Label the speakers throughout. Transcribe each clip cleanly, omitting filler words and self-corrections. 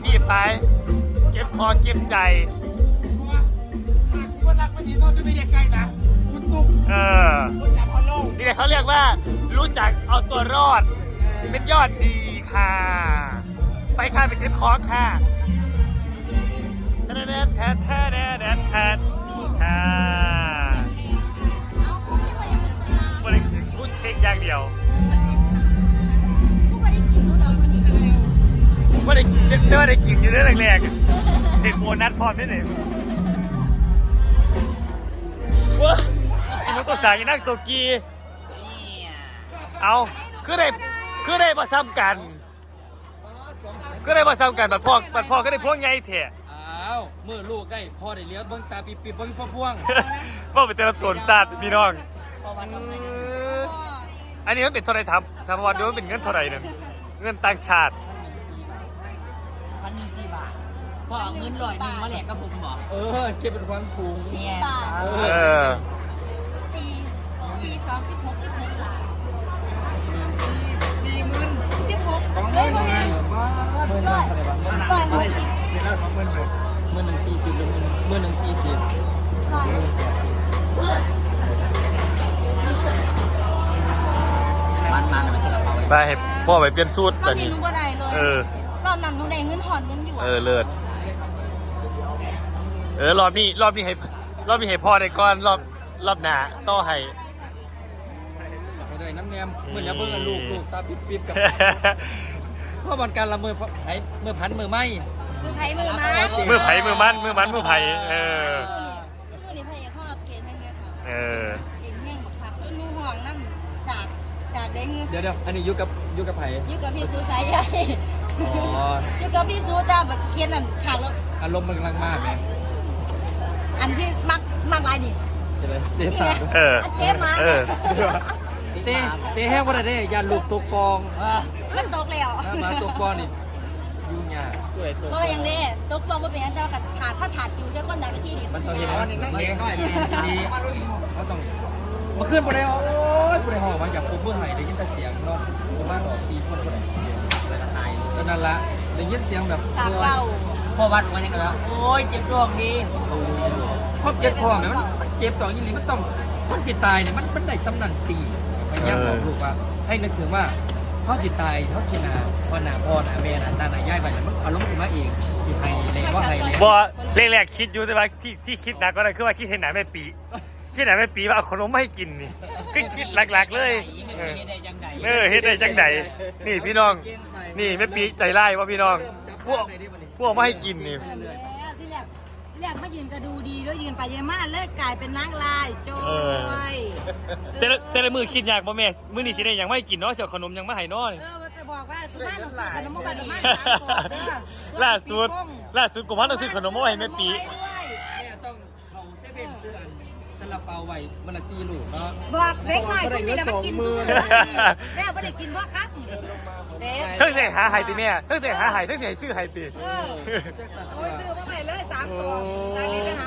Speaker 1: ที่ไปเก็บคอเก็บใจ
Speaker 2: คนรักไม่ดีโน่นจะไม่ใกล้นะคุณตุ๊กคนจับคนลง
Speaker 1: นี่เขาเรียกว่ารู้จักเอาตัวรอดเป็นยอดดีค่ะไปค่ะไปเก็บคอค่ะแทนแทนแทนแทนแทนค่ะบริขึ้นพูดเช็คอย่างเดียวไม่ได้กินอยู่เรื่องแรกๆเห็นโบนัสพร้อมได้เลยว้าไอ้นุ๊กตัวสายยังนั่งตัวกีเอาคือได้มาซ้ำกันก็ได้มาซ้ำกันบัดพ่อก็ได้พวงไงเถอะ
Speaker 3: อ้าวเมื่อลูกได้พ่อได้เลี้ยงเบิ้งตาปีเบิ้งพ่อพ่วง
Speaker 1: พ่อเป็นเจ้าตัวศาสตร์พี่น้องอันนี้มันเป็นเท่าไรทำวันเดียวมันเป็นเงินเท่าไรนึงเงินต่างชาติ
Speaker 4: 1,400 บาทพ่อเอาเงิน100มาแลกกับผมบอก
Speaker 3: เก็บเป็นความสูง
Speaker 4: 10 บาท4 2 16 16 บาท16
Speaker 2: ของเงิน
Speaker 4: 1,000
Speaker 2: เดี๋ยวเรา20,000เลย
Speaker 3: 1040หรือมันอะไรเป็นกระเป๋า
Speaker 1: ไปให้พ่อไปเปลี่ยนสูตรแบบนี้
Speaker 4: รู้ว่าได้เลยรอบนั้นหนูได้เงินถอนเงินอยู่
Speaker 1: เลิศรอบนี้ให้พ่อได้ก่อนรอบหน้าต่อให้
Speaker 3: ได้น้ำแนมเหมือนจะเบิ้งลูกตาปิบกับเพราะวันการละเมื่อพันมือไม้
Speaker 4: มือไผ่มือมัน
Speaker 1: มือไผ่มือมันตู้
Speaker 4: นี่ไผ่พ่อเกณฑ์ให้เงี้ยค่ะ
Speaker 1: เ
Speaker 4: กณฑ์แห้งบักคับต้นนูห่วงน้ำสาดได้เงี้ย
Speaker 3: เดี๋ยวอันนี้ยุกับไผ่
Speaker 4: ยุกับพี่ซูสายใหญ่ยุกับพี่ซูตาแบบเคียนนั่นฉากแล้ว
Speaker 3: อารมณ์มันกำลังมากไหม
Speaker 4: อันที่มักลายดิ
Speaker 3: เ
Speaker 4: จ๊มา
Speaker 3: เตะแห้งว่าได้ยาลูกตกปอง
Speaker 4: มันตกแล้ว
Speaker 3: มาตกปองนี่ยุ่งยาก
Speaker 4: ก็ยังได้ตกปองก็เป็นอันเจ้าขาดถ้าถาดอยู่ใช้คนไหนไปที่ดิ
Speaker 3: มันต้องเห็นว่านี่นั่งเล็กน้อยเขาต้องมาขึ้นบนได้โอ้ยบนได้ห่อมาจากปุ๊บเมื่อไหร่ได้ยินแต่เสียงเนาะประมาณออกตีคนคนไหนตอนนั้นละได้ยินเสียงแบบ
Speaker 4: พอวัดมันยังไงแล้วโอ้ยเจ็บท้องดี
Speaker 3: ครอบเจ็บท้องเนี่ยมันเจ็บต่อยิ่งนี้มันต้องคนจิตตายเนี่ยมันได้สำนันตีพยายามบอกลูกว่าให้นึกถึงว่าเขาจิตตายเขาคิดนาพ่อหน้าแม่น่ะนาย่ายไปแล้วมันอารมณ์สิมาเองสิให้เลยว่าให้เลย
Speaker 1: บ่แรกคิดอยู่แต่ว่าที่คิดหนักก็ได้คือว่าคิดเห็นหนาแม่ปีว่าเอาขนมมาให้กินนี่ก็คิดหลักๆเลยเฮ็ดได้จังไดนี่พี่น้องนี่แม่ปีใจร้ายว่าพี่น้องพวกมาให้กินนี่
Speaker 4: เรียกมายืนก็ดูดีด้วยยืนไปยืนมาเลิกกลายเป็นนางลายโจ้ย
Speaker 1: แต่ละมือคิดยากบ่แม่มื้อนี้สิได้ยังไม่กินเนาะเสี่ยวขนมยังมาให้น้อย
Speaker 4: จะบอกว่าคุณแม่ต้องซื้อขนมมาบ้าน
Speaker 1: ล่าสุดกูว่าต้องซื้อขนมมาให้แม่ปี
Speaker 3: แม่ต้องเขาเซเว่นซื้ออันซาลาเปาไว้มันละ4 ลูกเนาะ
Speaker 4: บอกเล็กหน่อยคุณมีแล้วมากินซุปแม่ไม่ได้กินเพราะครับ
Speaker 1: เพิ่งใส่หาไห้ติแม่เพิ่งใส่หาไห้เพิ่งใส่ซื้อไห้ติ
Speaker 4: โอ้ยซื้อมาใหม่เลย3 ตัวตอนนี้ไปหา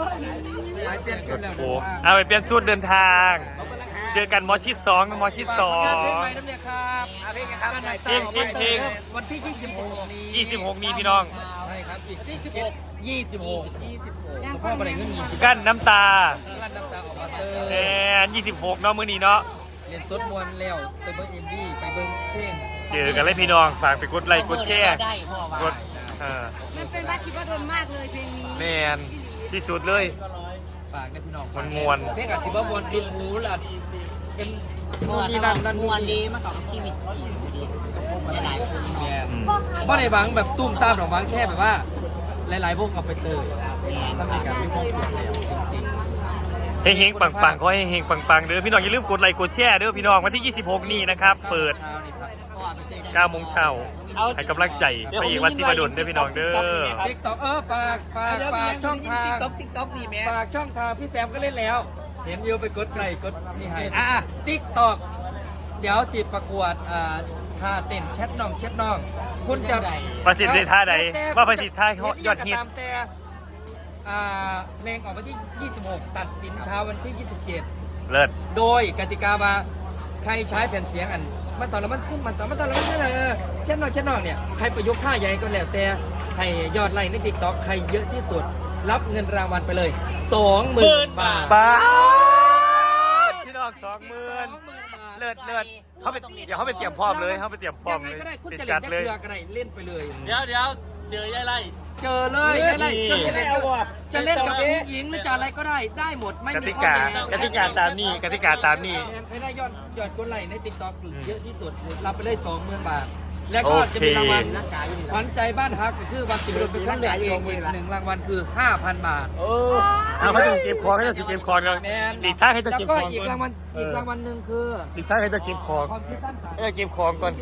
Speaker 1: เอาไปเปลี่ยนชุดเดินทางเจอกันมอชิด2
Speaker 3: เพลงวันที่
Speaker 1: 26นี้พี่น้อง
Speaker 3: ใช่ครับอีก26พ่อประเด็นเงินมี
Speaker 1: กั้นน้ำตา
Speaker 3: ออกมา
Speaker 1: 26เนาะมื้อนี้เนาะ
Speaker 3: เรียนสดมวนแล้วไปเบิ้งMVไปเบิ้งเพลง
Speaker 1: เจอกันเลยพี่น้องฝากไปกดไลค์กดแชร์กด
Speaker 4: มันเป็นว่าคิดว่าโดนมากเลยเพลงนี้
Speaker 1: แมนที่สุดเลย
Speaker 3: ฝากในพี่น้อง
Speaker 1: มวน
Speaker 3: เพลงกับที่ว่ามวนดินหูล่ะ
Speaker 4: นั่นมวนดีมากับชีวิตดีหลายคน
Speaker 3: เพราะในบางแบบตุ้มตามของบางแค่แบบว่าหลายๆวงเอาไปเตยสำหรับการมีความสุขแล้ว
Speaker 1: จริงๆเฮงปังๆขอให้เฮงปังๆเด้อพี่น้องอย่าลืมกดไลค์กดแชร์เด้อพี่น้องวันที่26นี้นะครับเปิด9 โมงเช้าให้กำลังใจพระเอกวัดศิวดลเด้อพี่น้องเด้อ
Speaker 3: TikTok ฝากช่องทาง
Speaker 4: TikTok นี่แม่
Speaker 3: ฝากช่องทางพี่แซมก็เล่นแล้วเห็นวิวไปกดไลค์กดนี่ให้TikTok เดี๋ยวสิประกวดท่าเต้นแชทน้องคุณจะ
Speaker 1: ประสิทธิ์ในท่าใดว่าประสิทธิ์ท่ายอดฮิต
Speaker 3: แต่เพลงออกวันที่26ตัดสินเช้าวันที่27
Speaker 1: เลิศ
Speaker 3: โดยกติกาว่าใครใช้แผ่นเสียงมันตอนละมันซึมมันสามารถตอนละมันเช่นน้องเนี่ยใครประยุกต์ท่าใหญ่ก็แล้วแต่ให้ยอดไลค์ใน TikTok ใครเยอะที่สุดรับเงินรางวัลไปเลย 20,000 บาท
Speaker 1: ป้าพี่น้อง20,000เลิศเขาไปเดี๋ยวเขาไปเตรียมพร้อมเลยเขาไปเตรียมพร้อม
Speaker 3: ยังไง
Speaker 1: เลย
Speaker 3: ก็ได้คุณ
Speaker 1: ติด
Speaker 3: จะ
Speaker 1: จั
Speaker 3: เล่
Speaker 1: ด
Speaker 3: น
Speaker 1: เลย
Speaker 3: เรือก็ได้เล่นไปเลย
Speaker 2: เดี๋ยวเจอยายไล่
Speaker 3: เจอเลยจะเล่นจะเล่นกับผู้หญิงหรือจะอะไรก็ได้ได้หมดไม่
Speaker 1: ก
Speaker 3: มี
Speaker 1: ติ
Speaker 3: ข้อก
Speaker 1: า
Speaker 3: แม้
Speaker 1: กติกาตามนี้กติกาตามนี้
Speaker 3: ใครได้ยอดกดไลค์ใน TikTok เยอะที่สุดรับไปเลย 20,000 บาท แล้วก็จะมีรางวัลขวัญใจบ้านฮักก็คือวันติดรถเป็นคนเลือกเองอีก1รางวัลคือ 5,000 บาท
Speaker 1: เอาเขาจะเก็บของเขาจะเก็บของกัน
Speaker 3: แมน
Speaker 1: หลีกทางให้จะ
Speaker 3: แล้ว
Speaker 1: เก็บ
Speaker 3: ก็
Speaker 1: ของ
Speaker 3: อีก
Speaker 1: ก่อน
Speaker 3: รางวัลหนึ่งคือ
Speaker 1: หลีกทางให้จะเก็บของ
Speaker 3: ความคิดสร้างสรรค์
Speaker 1: ให้จะเก็บของก่อน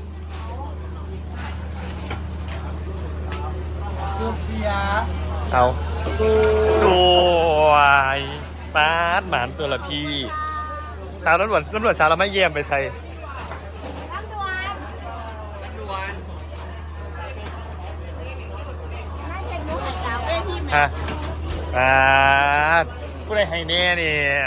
Speaker 2: เสีย
Speaker 1: เอาสวยป้าดหมานตัวละพี่สาวตำรวจสาวเราไม่เยี่ยมไปใส่
Speaker 4: รับด่วนน่าจะรู้หัดสาวได้ที่ไหม
Speaker 1: ฮะป้าดผู้ใดให้แน่เนี่ย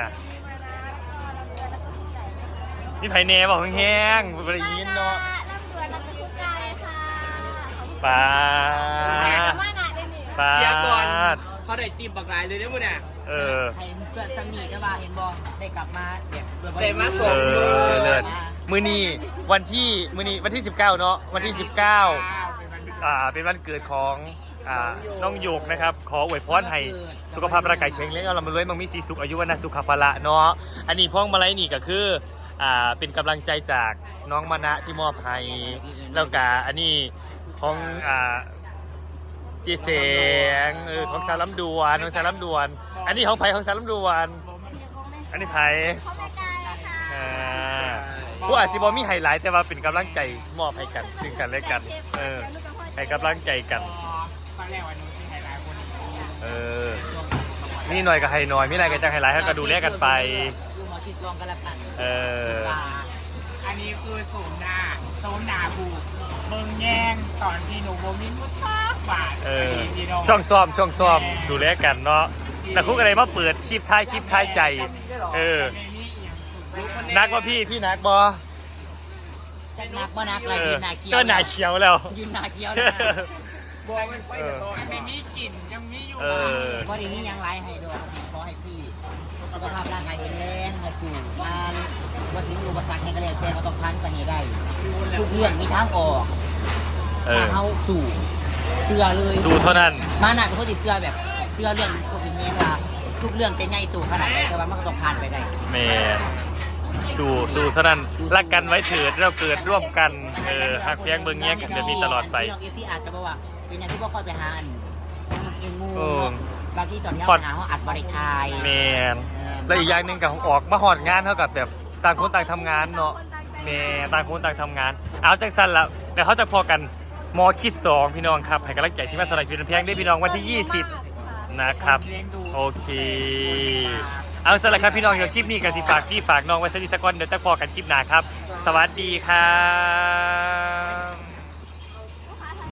Speaker 1: นี่ไผแน่บอกแห้งๆบ่ได้ยินเนาะ
Speaker 4: รับด่วนรับทุกใจค่ะ
Speaker 1: ป้า
Speaker 4: แต่
Speaker 1: ด
Speaker 4: ว่าหนาได้หนิ
Speaker 1: ป้า
Speaker 3: เดี๋ยวก่อน
Speaker 1: ด
Speaker 3: เขาได้ตีมบักหลายเลยเนี่ยมึงเนี่ย
Speaker 1: เออ
Speaker 5: ให้เพื่อนสนิทก็ว่าเห็นบอได้กลับมาเด็ก
Speaker 3: ได้มาส่
Speaker 1: เอง อเลิศมื้อนี้วันที่19เนาะวันที่ 19เป็นวันเกิดของน้องหยกนะครับ ขออวยพรให้สุขภาพร่างกายแข็งแรงเรามาด้วยมั่งมีสีสุขอายุวันะสุขภาละเนาะอันนี้พ้องมาลัยนี่ก็คือเป็นกำลังใจจากน้องมณะที่มอบให้แล้วก็อันนี้ของจีเสียงของสารลำดวนของสารลำดวน อันนี้ของไผ่ของสารลำดวนอันนี้ไผ่
Speaker 4: เขาไม่ไกลค่ะ
Speaker 1: ผู้อาจจะบอมีไฮไลท์แต่ว่าเป็นกำลังใจมอบให้กันซึ่งกันและกันให้กำลังใจกันนี่หน่อยกับไฮน้อยมีอะไรกันจะไฮไลท์ให้ก็ดูแลกันไป
Speaker 5: ดูหมอชิดรวมกันละกัน
Speaker 2: อันนี้คือศูนย์หน้าบูเบิ่งแยงตอนที่หนูโบมินมุดบาท
Speaker 1: ช่องซ้อมดูแลกันเนาะแต่คุกอะไรมาเปิดคลิปท้ายใจนักว่าพี่นักบอ
Speaker 5: นักบ่นักอะไรยืนหนาเคี้ยว
Speaker 1: ก็หนาเขียวแล้ว
Speaker 5: ยืนหนาเคี้ยว
Speaker 2: ไม่มีกลิ่นยังมีอยู่
Speaker 5: ก็ดีนี้ยังไล่ให้ด้วยขอให้พี่สุขภาพร่างกายแข็งแรงมาสู่งานว่าถึงอุปสรรคในกระเรียนแทนก็ต้องพันไปให้ได้ทุกเรื่องมีทางออกถ้าเขาสู่เชื่อเลย
Speaker 1: สู้เท่านั้น
Speaker 5: มาหนักเขาติดเชื่อแบบเชื่อเรื่องพวกนี้ว่าทุกเรื่องจะใหญ่ตู่ขนาดไหนแต่ว่ามันก็ต้องผ่านไปได้
Speaker 1: แมนสู้เท่านั้นรักกันไว้เถิดเราเกิดร่วมกันหักเพียงเบิ่งแย่งกันแบบนี้ตลอดไป
Speaker 5: พี่น้องเอฟซีอาจจะบอกว่าเป็นอย่างที่พวกค่อยไปหาเองงูบางที่ตอนที่
Speaker 1: พอ
Speaker 5: เรา
Speaker 1: ด
Speaker 5: หาเขาอัดบริทาย
Speaker 1: แมนแล้วอีกอย่างหนึ่งกับออกมาหอดงานเท่ากับแบบต่างคนต่างทำงานเนาะแม่ต่างคนต่างทำงานเอาจังสั้นแล้วเดี๋ยวเขาจะพอกันมอคิด2พี่น้องครับให้กำลังใจที่มาสลายฟิลเพียงได้พี่น้องวันที่ 20นะครับโอเคเอาสำหรับครับพี่น้องเดี๋ยวคลิปนี้กับสิฝากน้องไว้สักนิดสักวันเดี๋ยวจะพอกันคลิปหน้าครับสวัสดีครับ